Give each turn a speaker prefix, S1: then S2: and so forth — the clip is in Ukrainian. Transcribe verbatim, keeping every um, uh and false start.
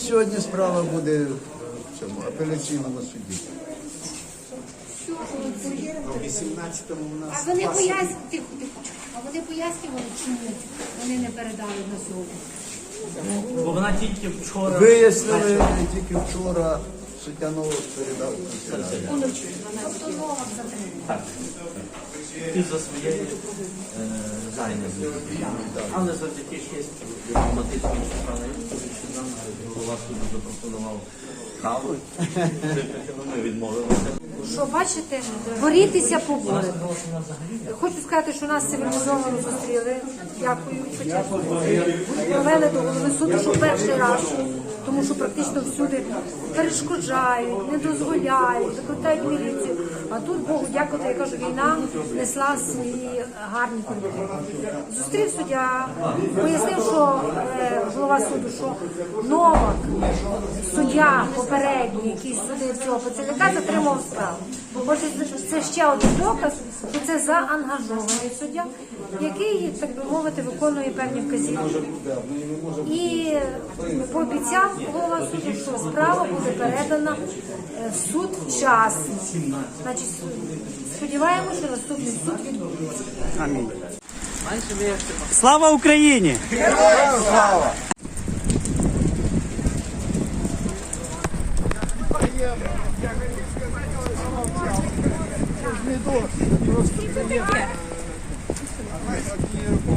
S1: сьогодні справа буде в цьому апеляційному суді.
S2: вісімнадцятому у нас.
S3: А вони пояснювали, тихо, тихо. А вони пояснювали, чому вони не передали на сьогодні.
S4: Бо вона тільки вчора...
S1: Вияснили тільки вчора, суддя Новак передав канцелярію.
S3: Тобто Новак затримав.
S4: Так. І за своєю е, зайнятістю. Але завдяки честі дипломатичній сторони, що нам голова суду запропонував каву, ми відмовилися.
S3: Що, бачите, борітися поборемо. Хочу сказати, що нас цивілізовано зустріли. Дякую. Провели до голови суду, що перший раз, тому що практично всюди перешкоджають, не дозволяють, викликають міліцію. А тут, Богу дякувати, я кажу, війна несла свої гарні кордони. Зустрів суддя, пояснив, що е, голова суду, що Новак, суддя попередній, який судив цього поцілянка, затримав справу. Отже, це ще один доказ, що це заангажований суддя, який, так би мовити, виконує певні вказівки. І пообіцяв голова суду, що справа буде передана в суд вчасно. Значить, сподіваємося, що наступний суд відбудеться.
S5: Амінь. Слава Україні!
S1: Героям слава! Це ж не дощ, просто приємно.